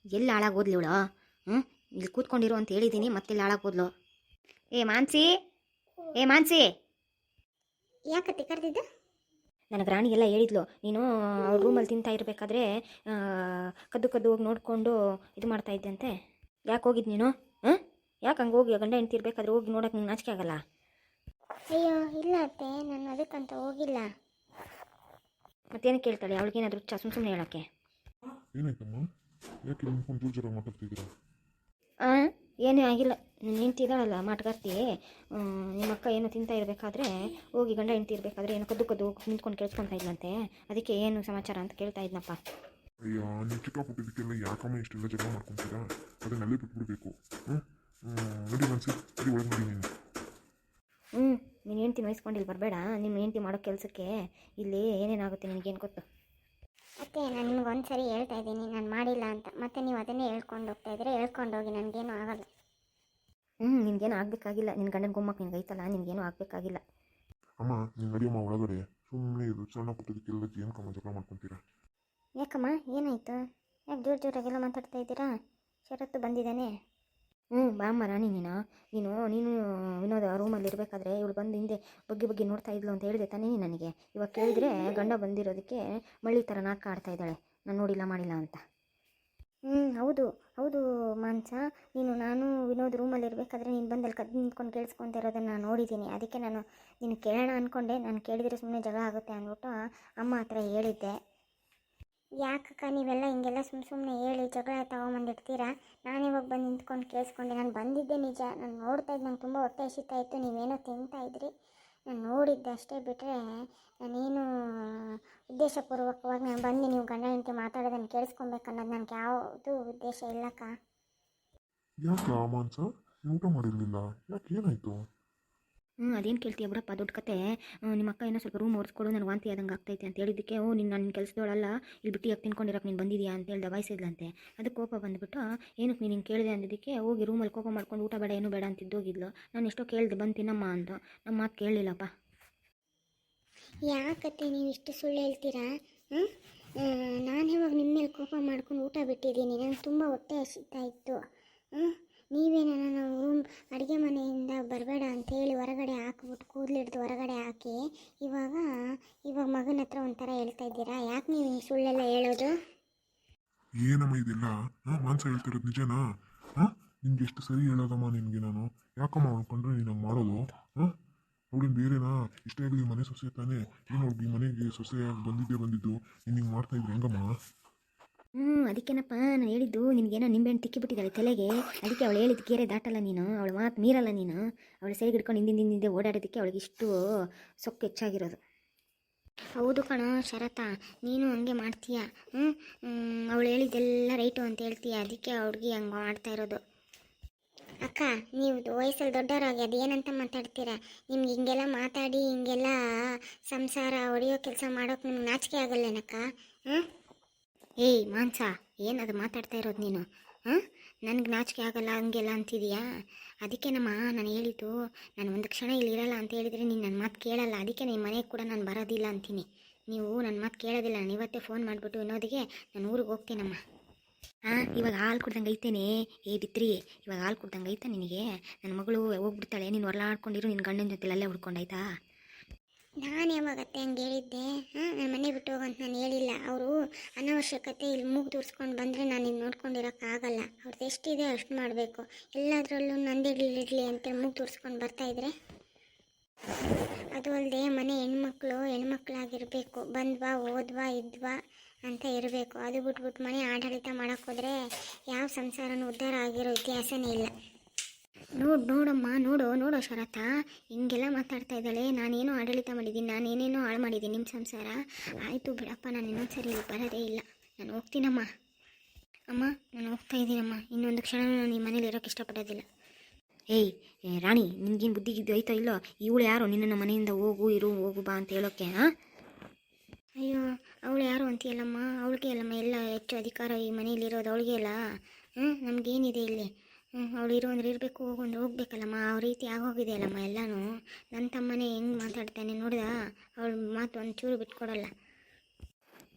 ಎಲ್ಲಿ ಹಾಳಾಗೋದ್ಲಿ ಇವಳು? ಹ್ಞೂ, ಇಲ್ಲಿ ಕೂತ್ಕೊಂಡಿರು ಅಂತ ಹೇಳಿದ್ದೀನಿ, ಮತ್ತೆಲ್ಲಿ ಹಾಳಾಗೋದ್ಲು? ಏ ಮಾನ್ಸಿ, ಏ ಮಾನ್ಸಿ, ಯಾಕತ್ತೆ ಕರೆದಿದ್ದ? ನನಗೆ ರಾಣಿ ಎಲ್ಲ ಹೇಳಿದ್ಲು, ನೀನು ಅವ್ಳ ರೂಮಲ್ಲಿ ತಿಂತಾ ಇರಬೇಕಾದ್ರೆ ಕದ್ದು ಕದ್ದು ಹೋಗಿ ನೋಡಿಕೊಂಡು ಇದು ಮಾಡ್ತಾ ಇದ್ದಂತೆ. ಯಾಕೆ ಹೋಗಿದ್ದು ನೀನು? ಹಾಂ, ಯಾಕೆ ಹಂಗೆ ಹೋಗಿ ಗಂಡ ಹೆಂಡ್ತಿ ಇರಬೇಕಾದ್ರೆ ಹೋಗಿ ನೋಡೋಕೆ ನಿಂಗೆ ನಾಚಿಕೆ ಆಗಲ್ಲ? ಅಯ್ಯೋ ಇಲ್ಲ ಅತ್ತೆ, ನಾನು ಅದಕ್ಕಂತ ಹೋಗಿಲ್ಲ. ಮತ್ತೇನು ಕೇಳ್ತಾಳೆ? ಅವಳಿಗೇನಾದರೂ ಸುಮ್ಮನೆ ಹೇಳೋಕ್ಕೆ? ಏನಾಯ್ತಮ್ಮ? ಯಾಕೆ ನಿಂತ್ಕೊಂಡು ಜೋರು ಜೋರಾಗಿ ಮಾತಾಡ್ತಿದ್ದೀರಾ? ಹಾಂ, ಏನೂ ಆಗಿಲ್ಲ. ನೀನು ನಿಂತಿದ್ದಾಳಲ್ಲ ಮಾಟಗಾರ್ತಿ, ನಿಮ್ಮ ಅಕ್ಕ ಏನೋ ತಿಂತಾ ಇರಬೇಕಾದ್ರೆ ಹೋಗಿ ಗಂಡ ಹೆಂಡ್ತಿ ಇರಬೇಕಾದ್ರೆ ಏನೋ ಕದ್ದು ಕದ್ದು ನಿಂತ್ಕೊಂಡು ಕೇಳಿಸ್ಕೊತಾ ಇದ್ಲಂತೆ. ಅದಕ್ಕೆ ಏನು ಸಮಾಚಾರ ಅಂತ ಕೇಳ್ತಾ ಇದ್ನಪ್ಪ. ಅಯ್ಯೋ, ನೀವು ಚಿಕ್ಕ ಪುಟ್ಟಿದ್ದಕ್ಕೆಲ್ಲ ಯಾಕಮ್ಮ ಇಷ್ಟೆಲ್ಲ ಜಗಳ ಮಾಡ್ಕೊತೀರಾ? ಅದನ್ನೆಲ್ಲೇ ಬಿಟ್ಬಿಡ್ಬೇಕು. ನೋಡಿ ಮನ್ಸಿ, ಸರಿ ಒಳಗೆ ನೋಡಿ ನೀನು. ನೀನು ಹೆಂಡ್ತಿ ವಹಿಸ್ಕೊಂಡಿಲ್ಲಿ ಬರಬೇಡ. ನಿಮ್ಮ ಹೆಂಡ್ತಿ ಮಾಡೋ ಕೆಲಸಕ್ಕೆ ಇಲ್ಲಿ ಏನೇನಾಗುತ್ತೆ ನಿನಗೇನು ಗೊತ್ತು? ಅತ್ತೆ, ನಾನು ನಿಮ್ಗೆ ಒಂದು ಸರಿ ಹೇಳ್ತಾ ಇದ್ದೀನಿ, ನಾನು ಮಾಡಿಲ್ಲ ಅಂತ. ಮತ್ತೆ ನೀವು ಅದನ್ನೇ ಹೇಳ್ಕೊಂಡು ಹೋಗ್ತಾ ಇದ್ರೆ ಹೇಳ್ಕೊಂಡೋಗಿ, ನನಗೇನು ಆಗಲ್ಲ. ನಿನಗೇನು ಆಗಬೇಕಾಗಿಲ್ಲ. ನಿನ್ನ ಗಂಡನ ಗುಮ್ಮಕ್ಕೆ ನಿನ್ಗೆ ಐತಲ್ಲ, ನಿನಗೇನು ಆಗಬೇಕಾಗಿಲ್ಲ. ಅಮ್ಮ, ನೀನು ನಡಿಯಮ್ಮ ಒಳಗಡೆ. ಸುಮ್ಮನೆ ಇದು ಸಣ್ಣ ಪುಟ್ಟದಕ್ಕೆಲ್ಲ ಏನು ಕಮ್ಮ ಜಗಳ ಮಾಡ್ಕೊತೀರಾ? ಯಾಕಮ್ಮ, ಏನಾಯಿತು? ಯಾಕೆ ಜೋರು ಜೋರಾಗೆಲ್ಲ ಮಾತಾಡ್ತಾ ಇದ್ದೀರಾ? ಶರತ್ತು ಬಂದಿದ್ದಾನೆ. ಬಾಮ್ಮ ರಾಣಿ, ನೀನು ವಿನೋದ ರೂಮಲ್ಲಿ ಇರಬೇಕಾದ್ರೆ ಇವಳು ಬಂದು ಹಿಂದೆ ಬಗ್ಗಿ ಬಗ್ಗಿ ನೋಡ್ತಾ ಇದ್ಲು ಅಂತ ಹೇಳಿದೆ ತಾನೇ ನನಗೆ. ಇವಾಗ ಕೇಳಿದ್ರೆ ಗಂಡ ಬಂದಿರೋದಕ್ಕೆ ಮಳ್ಳಿ ಥರ ನಾಟಕ ಆಡ್ತಾ ಇದ್ದಾಳೆ, ನಾನು ನೋಡಿಲ್ಲ ಮಾಡಿಲ್ಲ ಅಂತ. ಹೌದು ಹೌದು ಮಾನ್ಸ, ನಾನು ವಿನೋದ್ ರೂಮಲ್ಲಿ ಇರಬೇಕಾದ್ರೆ ನೀನು ಬಂದಲ್ಲಿ ಕದ್ದು ನಿಂತ್ಕೊಂಡು ಕೇಳಿಸ್ಕೊತಿರೋದನ್ನು ನಾನು ನೋಡಿದ್ದೀನಿ. ಅದಕ್ಕೆ ನಾನು ನೀನು ಕೇಳೋಣ ಅಂದ್ಕೊಂಡೆ. ನಾನು ಕೇಳಿದರೆ ಸುಮ್ಮನೆ ಜಗಳ ಆಗುತ್ತೆ ಅಂದ್ಬಿಟ್ಟು ಅಮ್ಮ ಹತ್ರ ಹೇಳಿದ್ದೆ. ಯಾಕಕ್ಕ ನೀವೆಲ್ಲ ಹಿಂಗೆಲ್ಲ ಸುಮ್ಮನೆ ಹೇಳಿ ಜಗಳ ತಗೊಂಬಂದಿರ್ತೀರಾ? ನಾನು ಇವಾಗ ಬಂದು ನಿಂತ್ಕೊಂಡು ಕೇಳಿಸ್ಕೊಂಡೆ. ನಾನು ಬಂದಿದ್ದೆ ನಿಜ, ನಾನು ನೋಡ್ತಾ ಇದ್ದು, ನಂಗೆ ತುಂಬ ಹೊಟ್ಟೆ ಹಸಿತಾ ಇತ್ತು, ನೀವೇನೋ ತಿಂತಾ ಇದ್ರಿ, ನಾನು ನೋಡಿದ್ದೆ ಅಷ್ಟೇ. ಬಿಟ್ಟರೆ ನಾನೇನು ಉದ್ದೇಶಪೂರ್ವಕವಾಗಿ ನಾನು ಬಂದು ನೀವು ಗಂಡ ಹೆಂಡತಿ ಮಾತಾಡೋದನ್ನು ಕೇಳಿಸ್ಕೊಬೇಕನ್ನೋದು ನನಗೆ ಯಾವುದು ಉದ್ದೇಶ ಇಲ್ಲಕ್ಕ. ಯಾಕೆ ಮಾನ್ಸ, ಊಟ ಮಾಡಿರಲಿಲ್ಲ? ಯಾಕೆ, ಏನಾಯಿತು? ಅದೇನು ಕೇಳ್ತೀಯ ಬಿಡಪ್ಪ, ದೊಡ್ಡ ಕತೆ. ನಿಮ್ಮ ಅಕ್ಕ ಏನೋ ಸ್ವಲ್ಪ ರೂಮ್ ಒರೆಸ್ಕೊಡು, ನನಗೆ ವಾಂತಿ ಆದಂಗೆ ಆಗ್ತೈತೆ ಅಂತ ಹೇಳಿದ್ದಕ್ಕೆ, ನನ್ನ ಕೆಲಸದವಳಲ್ಲ, ಇಲ್ಲಿ ಬಿಟ್ಟು ಯಾಕೆ ತಿನ್ಕೊಂಡಿರೋಕೆ ನೀನು ಬಂದಿದ್ಯಾ ಅಂತ ಹೇಳಿ ದಬಾಯಿಸಿದ್ಲಂತೆ. ಅದಕ್ಕೆ ಕೋಪ ಬಂದುಬಿಟ್ಟು, ಏನಕ್ಕೆ ನೀನು ಹಿಂಗೆ ಕೇಳಿದೆ ಅಂದಿದ್ದಕ್ಕೆ ಹೋಗಿ ರೂಮಲ್ಲಿ ಕೋಪ ಮಾಡ್ಕೊಂಡು ಊಟ ಬೇಡ, ಏನೂ ಬೇಡ ಅಂತಿದ್ದೋಗಿದ್ಲು. ನಾನು ಎಷ್ಟೋ ಕೇಳಿದೆ ಬಂದು ತಿನ್ನಮ್ಮ ಅಂತ, ನಮ್ಮ ಮಾತು ಕೇಳಲಿಲ್ಲಪ್ಪ. ಯಾಕತ್ತೆ ನೀವು ಇಷ್ಟು ಸುಳ್ಳು ಹೇಳ್ತೀರಾ? ನಾನು ಇವಾಗ ನಿಮ್ಮ ಮೇಲೆ ಕೋಪ ಮಾಡ್ಕೊಂಡು ಊಟ ಬಿಟ್ಟಿದ್ದೀನಿ. ನನಗೆ ತುಂಬ ಹೊಟ್ಟೆ ಹಸಿತಾ ಇತ್ತು. ನೀವೇನ ನಾನು ರೂಮ್ ಅಡುಗೆ ಮನೆಯಿಂದ ಬರಬೇಡ ಅಂತೇಳಿ ಹೊರಗಡೆ ಹಾಕ್ಬಿಟ್ಟು ಕೂದಲಿಡ್ದು ಹೊರಗಡೆ ಹಾಕಿ ಇವಾಗ ಮಗನ ಹತ್ರ ಒಂಥರ ಹೇಳ್ತಾ ಇದ್ದೀರಾ? ಯಾಕೆ ನೀವು ಹಿಂಗೆ ಸುಳ್ಳೆಲ್ಲ ಹೇಳೋದು? ಏನಮ್ಮ ಇದೆಲ್ಲ? ಮಾನ್ಸ ಹೇಳ್ತಿರೋದು ನಿಜನಾ? ನಿನ್ಗೆ ಎಷ್ಟು ಸರಿ ಹೇಳೋದಮ್ಮ ನಿನಗೆ ನಾನು? ಯಾಕಮ್ಮ ಅನ್ಕೊಂಡ್ರೆ ನೀನು ಹಂಗೆ ಮಾಡೋದು? ಅವಳಿನ ಬೇರೆನಾ? ಇಷ್ಟೇ ಆಗಲಿ ಮನೆ ಸೊಸೆ ತಾನೇ, ಏನು ಅವ್ಳಿಗೆ ಈ ಮನೆಗೆ ಸೊಸೆಯಾಗಿ ಬಂದಿದ್ದು ನೀನು ಹಿಂಗೆ ಮಾಡ್ತಾ ಇದ್ರೆ ಹೆಂಗಮ್ಮ? ಅದಕ್ಕೇನಪ್ಪ ನಾನು ಹೇಳಿದ್ದು, ನಿನಗೇನೋ ನಿಂಬೆಹಣ್ಣು ತಿಕ್ಕಿಬಿಟ್ಟಿದ್ದಾಳೆ ತಲೆಗೆ. ಅದಕ್ಕೆ ಅವಳು ಹೇಳಿದ್ದು ಕೇರೆ ದಾಟಲ್ಲ ನೀನು, ಅವಳು ಮಾತು ಮೀರಲ್ಲ ನೀನು. ಅವಳು ಸೈಡ್ ಹಿಡ್ಕೊಂಡು ಹಿಂದಿಂದೆ ಓಡಾಡೋದಕ್ಕೆ ಅವಳಿಗೆ ಇಷ್ಟು ಸೊಕ್ಕು ಹೆಚ್ಚಾಗಿರೋದು. ಹೌದು ಕಣೋ ಶರತ, ನೀನು ಹಂಗೆ ಮಾಡ್ತೀಯ. ಅವಳು ಹೇಳಿದ್ದೆಲ್ಲ ರೈಟು ಅಂತ ಹೇಳ್ತೀಯ, ಅದಕ್ಕೆ ಅವ್ಳಿಗೆ ಹಂಗೆ ಮಾಡ್ತಾ ಇರೋದು. ಅಕ್ಕ, ನೀವು ವಯಸ್ಸಲ್ಲಿ ದೊಡ್ಡವರಾಗಿ ಅದು ಏನಂತ ಮಾತಾಡ್ತೀರಾ? ನಿಮ್ಗೆ ಹಿಂಗೆಲ್ಲ ಮಾತಾಡಿ ಹಿಂಗೆಲ್ಲ ಸಂಸಾರ ಹೊಡೆಯೋ ಕೆಲಸ ಮಾಡೋಕೆ ನಿಮ್ಗೆ ನಾಚಿಕೆ ಆಗಲ್ಲೇನಕ್ಕ? ಏಯ್ ಮಾನ್ಸ, ಏನದು ಮಾತಾಡ್ತಾ ಇರೋದು ನೀನು? ನನಗೆ ನಾಚಿಕೆ ಆಗಲ್ಲ ಹಂಗೆಲ್ಲ ಅಂತಿದೀಯಾ? ಅದಕ್ಕೆ ನಾನು ಹೇಳಿದ್ದು, ನಾನು ಒಂದು ಕ್ಷಣ ಇಲ್ಲಿ ಇರಲ್ಲ ಅಂತ ಹೇಳಿದರೆ ನೀನು ನನ್ನ ಮಾತು ಕೇಳಲ್ಲ. ಅದಕ್ಕೆ ನಿಮ್ಮ ಮನೆಗೆ ಕೂಡ ನಾನು ಬರೋದಿಲ್ಲ ಅಂತೀನಿ. ನೀವು ನನ್ನ ಮಾತು ಕೇಳೋದಿಲ್ಲ. ನಾನು ಇವತ್ತೇ ಫೋನ್ ಮಾಡಿಬಿಟ್ಟು ವಿನೋದಿಗೆ ನಾನು ಊರಿಗೆ ಹೋಗ್ತೀನಮ್ಮ. ಇವಾಗ ಹಾಲು ಕುಡ್ದಂಗೆ ಐತೇನೆ? ಏ ಬಿತ್ರಿ, ಇವಾಗ ಹಾಲು ಕುಡ್ದಂಗೆ ಐತಾ ನಿನಗೆ? ನನ್ನ ಮಗಳು ಹೋಗ್ಬಿಡ್ತಾಳೆ, ನೀನು ಹೊರಲಾಡ್ಕೊಂಡಿರು, ನಿನ್ನ ಗಂಡನ ಜೊತೆ ಅಲ್ಲೇ ಹುಡ್ಕೊಂಡಾಯ್ತಾ? ನಾನು ಯಾವಾಗತ್ತೆ ಹಂಗೆ ಹೇಳಿದ್ದೆ? ನನ್ನ ಮನೆ ಬಿಟ್ಟು ಹೋಗಂತ ನಾನು ಹೇಳಿಲ್ಲ. ಅವರು ಅನವಶ್ಯಕತೆ ಇಲ್ಲಿ ಮೂಗು ತೋರಿಸ್ಕೊಂಡು ಬಂದರೆ ನಾನು ಇದು ನೋಡ್ಕೊಂಡಿರೋಕ್ಕಾಗಲ್ಲ. ಅವ್ರದ್ದು ಎಷ್ಟಿದೆ ಅಷ್ಟು ಮಾಡಬೇಕು. ಎಲ್ಲದರಲ್ಲೂ ನಂದಿಡ್ಲಿಡ್ಲಿ ಅಂತೇಳಿ ಮೂಗು ತೋರಿಸ್ಕೊಂಡು ಬರ್ತಾಯಿದ್ರೆ, ಅದು ಅಲ್ಲದೆ ಮನೆ ಹೆಣ್ಮಕ್ಳಾಗಿರಬೇಕು. ಬಂದ್ವಾ ಹೋದ್ವಾ ಇದ್ವಾ ಅಂತ ಇರಬೇಕು. ಅದು ಬಿಟ್ಬಿಟ್ಟು ಮನೆ ಆಡಳಿತ ಮಾಡೋಕ್ಕೋದ್ರೆ ಯಾವ ಸಂಸಾರನೂ ಉದ್ಧಾರ ಆಗಿರೋ ಇತಿಹಾಸನೇ ಇಲ್ಲ. ನೋಡಮ್ಮ, ನೋಡೋ ಶರತ, ಹಿಂಗೆಲ್ಲ ಮಾತಾಡ್ತಾ ಇದ್ದಾಳೆ. ನಾನೇನೋ ಆಡಳಿತ ಮಾಡಿದ್ದೀನಿ, ನಾನೇನೇನೋ ಹಾಳು ಮಾಡಿದ್ದೀನಿ ನಿಮ್ಮ ಸಂಸಾರ. ಆಯಿತು ಬಿಡಪ್ಪ, ನಾನು ಇನ್ನೊಂದು ಸರಿ ಇಲ್ಲಿ ಬರೋದೇ ಇಲ್ಲ. ನಾನು ಹೋಗ್ತೀನಮ್ಮ. ಅಮ್ಮ, ನಾನು ಹೋಗ್ತಾ ಇದ್ದೀನಮ್ಮ. ಇನ್ನೊಂದು ಕ್ಷಣ ನಾನು ಈ ಮನೇಲಿ ಇರೋಕ್ಕೆ ಇಷ್ಟಪಡೋದಿಲ್ಲ. ಏಯ್ ರಾಣಿ, ನಿನ್ಗೇನು ಬುದ್ಧಿಗಿದ್ದು ಐತೋ ಇಲ್ಲೋ? ಇವಳು ಯಾರೋ ನಿನ್ನನ್ನು ಮನೆಯಿಂದ ಹೋಗು ಬಾ ಅಂತ ಹೇಳೋಕ್ಕೆ? ಅಯ್ಯೋ, ಅವಳು ಯಾರು ಅಂತೀಯಲ್ಲಮ್ಮ? ಅವಳಿಗೆ ಅಲ್ಲಮ್ಮ ಎಲ್ಲ ಹೆಚ್ಚು ಅಧಿಕಾರ ಈ ಮನೆಯಲ್ಲಿರೋದು, ಅವಳಿಗೆ ಅಲ್ಲ. ನಮಗೇನಿದೆ ಇಲ್ಲಿ? ಅವಳು ಇರೋ ಅಂದ್ರೆ ಇರಬೇಕು, ಹೋಗು ಅಂದ್ರೆ ಹೋಗ್ಬೇಕಲ್ಲಮ್ಮ. ಆ ರೀತಿ ಆಗೋಗಿದೆ ಅಲ್ಲಮ್ಮ ಎಲ್ಲನೂ. ನನ್ನ ತಮ್ಮನೇ ಹೆಂಗೆ ಮಾತಾಡ್ತಾನೆ ನೋಡಿದ? ಅವಳ ಮಾತು ಒಂದು ಚೂರು ಬಿಟ್ಕೊಡಲ್ಲ.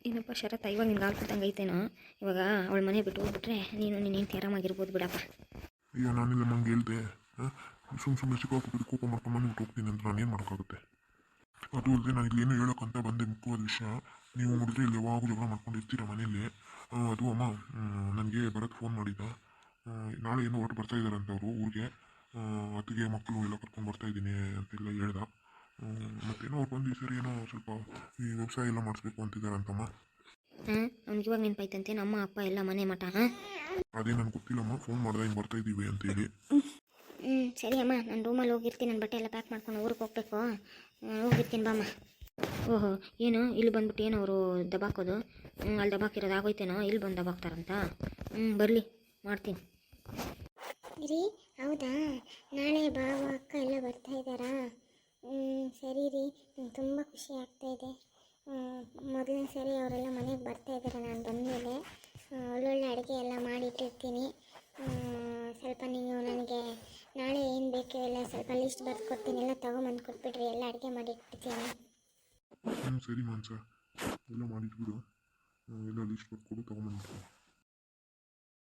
ಏನಪ್ಪ ಶರತ್ ಇವಾಗ ನಿನ್ಗೆ ಆಡ್ಕೊತಂಗೆ ಐತೇನೋ. ಇವಾಗ ಅವಳ ಮನೆ ಬಿಟ್ಟು ಹೋಗ್ಬಿಟ್ರೆ ನೀನು ನಿನ್ನ ಹೆಂಡತಿ ಆರಾಮಾಗಿರ್ಬೋದು ಬಿಡಪ್ಪ. ಅಯ್ಯೋ ನಾನಿಲ್ಲ ಮಂಗೆ ಹೇಳ್ದೆ ಸುಮ್ಮನೆ ಸಿಕ್ಕಾಕ್ಬಿಟ್ಟು ಕೋಪ ಮಾಡ್ಕೊಂಡು ಬಂದ್ಬಿಟ್ಟು ಹೋಗ್ತೀನಿ ಅಂತ ನಾನೇನು ಮಾಡೋಕ್ಕಾಗುತ್ತೆ. ಅದು ಅಲ್ಲದೆ ನಾನು ಇಲ್ಲಿ ಏನು ಹೇಳೋಕ್ಕಂತ ಬಂದೆ ಮುಖ್ಯವಾದ ವಿಷಯ. ನೀವು ನೋಡಿದ್ರೆ ಇಲ್ಲಿ ಯಾವಾಗೂ ಜಗಳ ಮಾಡ್ಕೊಂಡಿರ್ತೀರ ಮನೇಲಿ. ಅದು ಅಮ್ಮ ನನಗೆ ಭರತ್ ಫೋನ್ ಮಾಡಿದ್ದ. ನಾಳೆ ಏನೋ ಹೊರಟು ಬರ್ತಾ ಇದ್ದಾರಂತ ಅವರು ಊರಿಗೆ. ಅತ್ತಿಗೆ ಮಕ್ಕಳು ಎಲ್ಲ ಕರ್ಕೊಂಡು ಬರ್ತಾ ಇದ್ದೀನಿ ಅಂತೆಲ್ಲ ಹೇಳ್ದ. ಮತ್ತೇನೋ ಅವ್ರು ಬಂದು ಈ ಸರಿ ಏನೋ ಸ್ವಲ್ಪ ಈ ವ್ಯವಸಾಯ ಎಲ್ಲ ಮಾಡಿಸ್ಬೇಕು ಅಂತಿದ್ದಾರಂತಮ್ಮ. ಅವ್ನಿಗೆ ಇವಾಗ ನೆನಪಾಯ್ತಂತೆ ನಮ್ಮ ಅಪ್ಪ ಎಲ್ಲ ಮನೆ ಮಠ. ಹಾಂ ಅದೇ ನನಗೆ ಗೊತ್ತಿಲ್ಲಮ್ಮ, ಫೋನ್ ಮಾಡ್ದೆ ಹಿಂಗೆ ಬರ್ತಾ ಇದ್ದೀವಿ ಅಂತೇಳಿ. ಸರಿ ಅಮ್ಮ, ನಾನು ರೂಮಲ್ಲಿ ಹೋಗಿರ್ತೀನಿ. ನನ್ನ ಬಟ್ಟೆ ಎಲ್ಲ ಪ್ಯಾಕ್ ಮಾಡ್ಕೊಂಡು ಊರಿಗೆ ಹೋಗ್ಬೇಕು. ಹೋಗಿರ್ತೀನಿ ಬಾಮ್ಮ. ಓಹೋ, ಏನು ಇಲ್ಲಿ ಬಂದ್ಬಿಟ್ಟು ಏನು ಅವರು ದಬಾಕೋದು? ಅಲ್ಲಿ ದಬಾಕಿರೋದು ಆಗೋಯ್ತೇನೋ, ಇಲ್ಲಿ ಬಂದು ದಬಾಕ್ತಾರಂತ. ಬರಲಿ ಮಾಡ್ತೀನಿ. ರೀ, ಹೌದಾ? ನಾಳೆ ಬಾವ ಅಕ್ಕ ಎಲ್ಲ ಬರ್ತಾ ಇದ್ದಾರಾ? ಸರಿ ರೀ, ತುಂಬ ಖುಷಿ ಆಗ್ತಾಯಿದೆ. ಮೊದಲನೇ ಸರಿ ಅವರೆಲ್ಲ ಮನೆಗೆ ಬರ್ತಾ ಇದ್ದಾರೆ. ನಾನು ಬಂದಮೇಲೆ ಒಳ್ಳೊಳ್ಳೆ ಅಡುಗೆ ಎಲ್ಲ ಮಾಡಿಟ್ಟಿರ್ತೀನಿ. ಸ್ವಲ್ಪ ನೀವು ನನಗೆ ನಾಳೆ ಏನು ಬೇಕು ಎಲ್ಲ ಸ್ವಲ್ಪ ಲಿಸ್ಟ್ ಬರೆದು ಕೊಡ್ತೀನಿ. ಎಲ್ಲ ತೊಗೊಂಬಂದು ಕೊಟ್ಬಿಡ್ರಿ, ಎಲ್ಲ ಅಡುಗೆ ಮಾಡಿಟ್ಬಿಡ್ತೀನಿ. ಸರಿ ಮಾನ್ಸ, ಎಲ್ಲ ಮಾಡಿಟ್ಬಿಡು, ಎಲ್ಲ ಲಿಸ್ಟ್ ಬರ್ಕೊಡು ತೊಗೊಂಬಂದ್ಬಿಟ್ಟು.